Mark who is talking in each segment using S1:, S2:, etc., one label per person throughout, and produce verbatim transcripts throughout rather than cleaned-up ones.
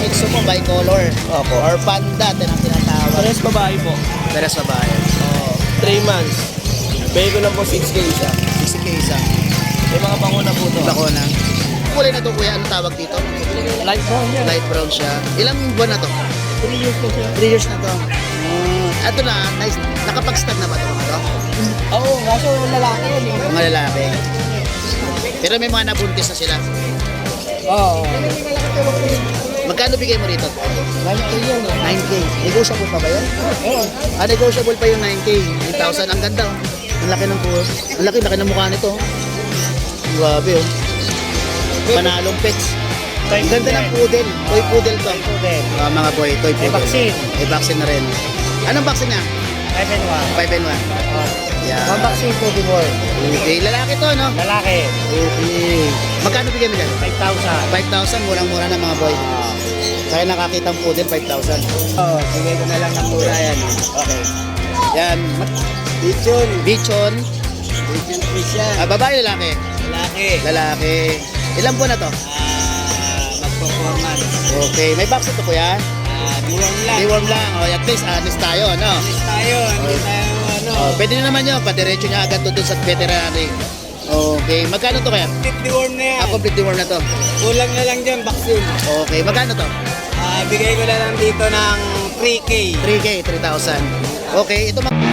S1: Shih Tzu mo, bicolor.
S2: Opo.
S1: Or Panda, din ang tinatawag.
S2: Pares babae po.
S1: Peres babae.
S2: Oo. three months. Bigay ko lang po six K isa.
S1: sixty K isa.
S2: May mga panguna po to.
S1: Bako na. Kulay na to kuya, anong tawag dito?
S2: Light brown yan.
S1: Light brown siya. Ilang buwan na to?
S2: three years po siya.
S1: three years na to. Mm. Ito na, nice. Nakapag-stud na ba ito? Ito?
S2: Oo, kaso lalaki yan eh.
S1: Mga lalaki. Pero may mga nabuntis na sila.
S2: Oo.
S1: Magkano bigay mo rito?
S2: nine K yan eh.
S1: nine K. Negotiable pa ba yun?
S2: Oo.
S1: Ah, negotiable pa yung nine K. eight thousand. Ang ganda oh. Ang laki ng puso. Ang laki, laki ng mukha nito. oh. Grabe oh. Panalong pets. Ang ganda ng poodle. Toy poodle to.
S2: Poodle.
S1: Ah, mga boy, toy
S2: May
S1: poodle.
S2: vaccine.
S1: May vaccine na rin. Anong vaccine niya?
S2: five and one.
S1: five and one. Yeah.
S2: One vaccine to the world.
S1: Okay, lalaki to, no?
S2: Lalaki.
S1: Okay. Magkano bigyan mo dyan?
S2: five thousand.
S1: five thousand, murang-mura na mga boy. Kaya nakakita ang poodle, five thousand.
S2: Oo, bigay ko na lang ng mura yan.
S1: Okay. Yan.
S2: Bichon.
S1: Bichon.
S2: Bichon fish yan.
S1: Ah, babae, lalaki?
S2: Lalaki.
S1: Lalaki. Ilang buwan na to?
S2: Ah, mag-performance.
S1: Okay. May vaccine to, kuya?
S2: Ah, deworm lang.
S1: Deworm lang. O, at least, honest tayo, ano?
S2: Alis tayo, hindi tayo ano.
S1: Oh, pwede na naman yun. Padiretso niya agad to dun sa veterinary. Okay. Magkano to kaya?
S2: Complete deworm na yan.
S1: Ah, complete deworm na to.
S2: Kulang na lang dyan, vaccine.
S1: Okay. Magkano to?
S2: Ah, bigay ko na lang dito ng three K.
S1: three K, three thousand. Okay. Ito mag-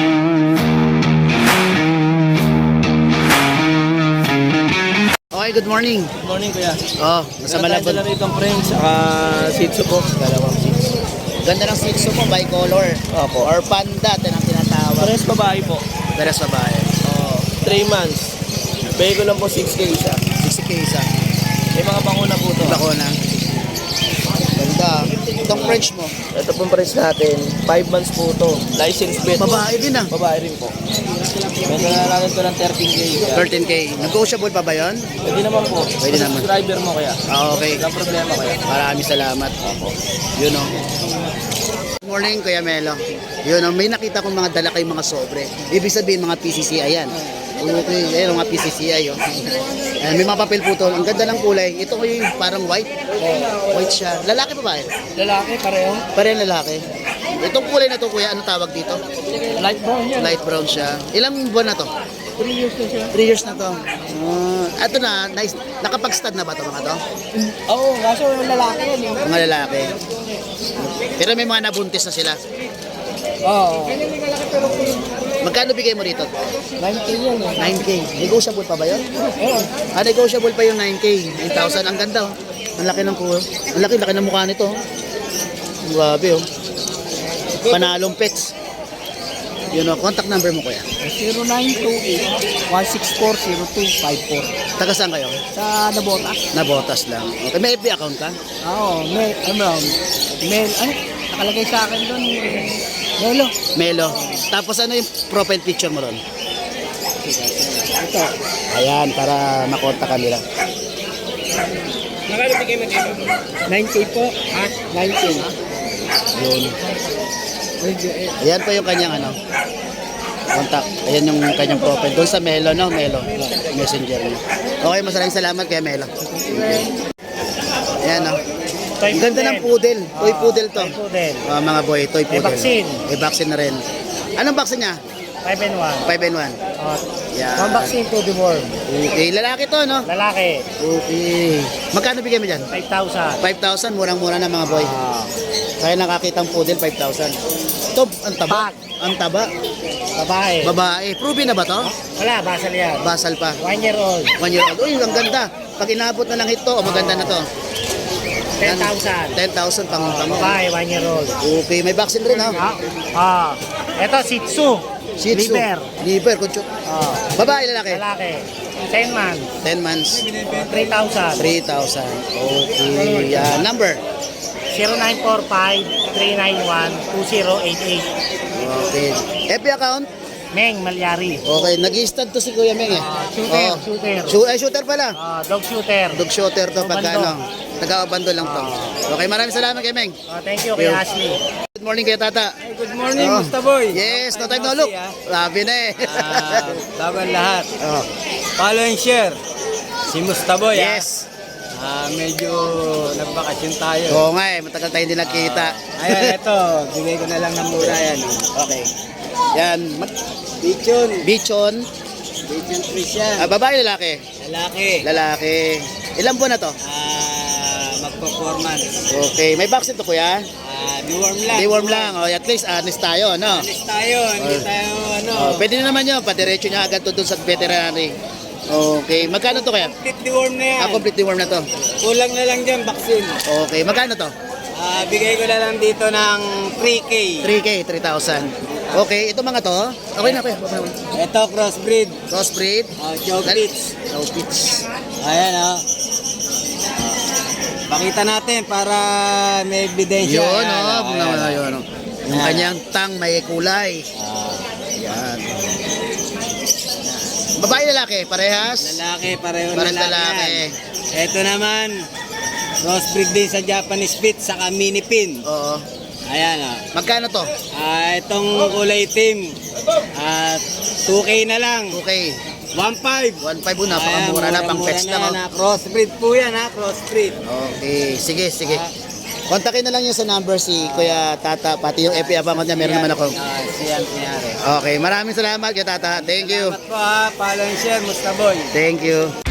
S1: Okay, good morning.
S2: Good morning, kuya.
S1: Oh, nasa Malabon.
S2: Meron tayo dala friends, saka Shih Tzu po.
S1: Dalawang Shih Tzu. Ganda ng Shih Tzu mo, bicolor.
S2: Opo.
S1: Or Panda, din ang tinatawag.
S2: Pares babae po.
S1: Peres babae.
S2: Oo. three months. Bigay ko lang po six K isa.
S1: sixty K isa.
S2: May mga panguna po to.
S1: Bako na. Ganda. Itong French mo.
S2: Ito pong price natin, five months po to. License vet.
S1: Babae din ah.
S2: Babae rin po. Benta na natin to ng thirteen K.
S1: thirteen K. Negotiable pa ba yun?
S2: Pwede naman po.
S1: Pwede naman.
S2: Subscriber mo kaya.
S1: Ah, okay.
S2: Walang problema kaya.
S1: Maraming salamat. Yun o. Good morning, Kuya Melo. Yun o, may nakita kong mga dala kayong mga sobre. Ibig sabihin mga P C C I yan. Okay, ayun mga P C C I o. Ayan, may mga papel po to. Ang ganda ng kulay. Ito ko yung parang white. White siya. Lalaki pa ba eh?
S2: Lalaki pareho.
S1: Pareho lalaki. Itong kulay na to, Kuya, ano tawag dito?
S2: Light brown yan.
S1: Light brown siya. Ilang buwan na to?
S2: three years na siya.
S1: three years na to. Uh, ito na, nice. Nakapag-stud na ba to mga to?
S2: Oo, kaso lalaki yan eh.
S1: Mga lalaki. Pero may mga nabuntis na sila.
S2: Oo.
S1: Magkano bigay mo rito?
S2: nine K yan eh.
S1: nine K. Negotiable pa ba yun?
S2: Oo.
S1: Ah, negotiable pa yung nine K. nine thousand. Ang ganda oh. Ang laki ng kuha. Ang laki, laki ng mukha nito. oh. Grabe oh. Panalong pets. Yun oh, contact number mo kuya.
S2: zero nine two eight, one six four, zero two five four.
S1: Taga saan kayo?
S2: Sa Nabota.
S1: Nabotas lang. Okay, may F B account ka?
S2: Oo, may, ano, mail, ano, nakalagay sa akin doon, Melo.
S1: Melo. Tapos ano yung profile picture mo ron?
S2: Ito.
S1: Ayan, para makontak ka nila.
S2: Nakalo bigay mo dito? nine K po. Ha? nine K.
S1: Yun. Ayan po yung kanyang ano. Contact. Ayan yung kanyang profile. Doon sa Melo, no? Melo. Messenger niya. Okay, masaraming salamat kay Melo. Ayan, no? Ang ganda ng poodle. Toy poodle to.
S2: Toy poodle.
S1: Ah, mga boy, toy
S2: May
S1: poodle.
S2: vaccine.
S1: May vaccine na rin. Anong vaccine niya?
S2: five and one.
S1: five and one.
S2: Oh,
S1: Yeah.
S2: one vaccine to the world.
S1: Okay, lalaki to, no?
S2: Lalaki,
S1: Okay. Magkano bigyan mo dyan?
S2: five thousand.
S1: five thousand, murang-mura na mga boy.
S2: Ah,
S1: Kaya nakakita ang poodle, five thousand. Ito, ang taba.
S2: Bag.
S1: Ang taba.
S2: babae.
S1: Babae. Proven na ba to?
S2: Wala, basal yan.
S1: Basal pa.
S2: One year old.
S1: One year old. Uy, ang ganda. Pag inabot na ng hito, oh, maganda na to.
S2: ten thousand.
S1: ten thousand pang pang.
S2: Babae, one year old.
S1: Okay, may vaccine rin ha.
S2: Ah, ah. Ito, Shih Tzu.
S1: Shih Tzu.
S2: Liver.
S1: Liver, kutso.
S2: Ah,
S1: Babae, lalaki.
S2: lalaki. ten months.
S1: ten months.
S2: three thousand.
S1: three thousand. Okay. Yan. Number.
S2: zero nine four five, three nine one, two zero eight eight.
S1: Okay. F B account?
S2: Meng Malyari.
S1: Okay. Nag-i-stud to si Kuya Meng eh.
S2: Ah, shooter,
S1: Oh.
S2: shooter.
S1: Shoot, ay, shooter pala.
S2: Ah, dog shooter.
S1: Dog shooter to pagka
S2: Abando.
S1: ano. Taga-abando lang to. Okay, maraming salamat kay Meng.
S2: Ah, thank you kay
S1: Yo.
S2: Ashley.
S1: Good morning kay Tata.
S2: Good morning,
S1: Oh.
S2: Musta Boy.
S1: Yes, no time no look. Labi na eh.
S2: Ah, bago ang lahat.
S1: Oh.
S2: Follow and share. Si Musta Boy.
S1: Yes.
S2: Ah, medyo nagbakasyon tayo.
S1: Oo nga eh, matagal tayo hindi nagkita.
S2: Ah, ayan, ito. Bigay ko na lang ng mura yan.
S1: Okay. Yan, mat-
S2: Bichon.
S1: bichon.
S2: Bichon Trish yan.
S1: Ah, babae, lalaki?
S2: Lalaki.
S1: Lalaki. Ilang buwan na to?
S2: Ah, magperformance.
S1: Okay, may vaccine to kuya?
S2: Ah, deworm lang.
S1: Deworm lang, oh, at least honest tayo, no?
S2: Alis tayo, hindi
S1: Oh.
S2: tayo ano.
S1: Oh, pwede na naman yun, padiretso niya agad to dun sa veterinary. Okay, magkano to kaya?
S2: Complete deworm na yan.
S1: Ah, complete deworm na to.
S2: Kulang na lang dyan, vaccine.
S1: Okay, magkano to?
S2: Ah, bigay ko na lang dito ng three K.
S1: three K, three thousand. Okay, ito mga to, okay na kuya.
S2: Ito, crossbreed.
S1: Crossbreed.
S2: Oh, Jogpits.
S1: No pitch.
S2: Ayan, oh. Pakita natin para may ebidensya.
S1: Yun,
S2: Ayan,
S1: oh,
S2: oh,
S1: yun,
S2: ayan,
S1: yun, oh. Yung
S2: Ayan.
S1: kanyang tang may kulay.
S2: Ah,
S1: Yan. Babae lalaki, parehas?
S2: lalaki, pareho
S1: Parang
S2: lalaki.
S1: lalaki.
S2: yan. Ito naman, crossbreed din sa Japanese Spitz, saka mini pin.
S1: Oo.
S2: Ayan, oh.
S1: Magkano to?
S2: Ah, itong kulay itim, ah, two K na lang.
S1: Okay.
S2: one five.
S1: one five po, napakamura na, pang pets lang. Oh.
S2: Na, crossbreed po yan, ha? Crossbreed.
S1: Okay, sige, sige.
S2: Ah.
S1: Kontakin na lang niyo sa number si Kuya Tata, pati yung F B account niya, meron naman ako.
S2: Ah, siyan, siyari.
S1: Okay, maraming salamat Kuya Tata. Thank you.
S2: Salamat po ha, follow and share, Musta Boy.
S1: Thank you.